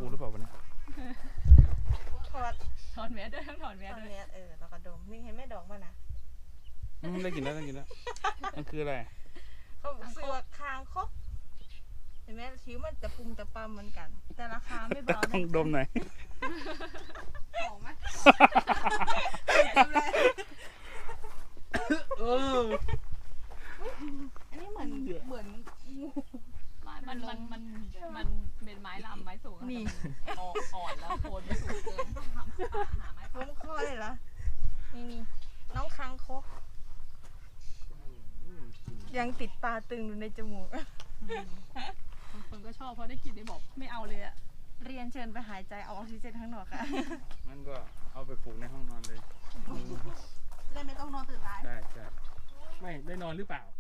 กูหรือเปล่าวะเนี่ยถอนแมสด้วยต้องถอนแมสด้วยแล้วก็ดมนี่เห็นไหมดอกมันนะได้กินแล้วมันคืออะไรเขาซื้อว่าคางคกเห็นไหมชิวมันจะปุ่มจะปั๊มเหมือนกัน แต่ราคาไม่เบาต้องดมหน่อยหอมไหมอันนี้เหมือนงูมันเป็นไม้ลำไม้สูงนี่อ่อนแล้วโคนไม่สูงเกินต้องหาไม้ล้มคอเลยเหรอนี่น้องคางคกยังติดตาตึงอยู่ในจมูกบางคนก็ชอบเพราะได้กลิ่นได้บอกไม่เอาเลยอะเรียนเชิญไปหายใจเอาออกซิเจนข้างนอกค่ะมันก็เอาไปปลูกในห้องนอนเลยได้ไม่ต้องนอนตื่นร้ายใช่ไม่ได้นอนหรือเปล่า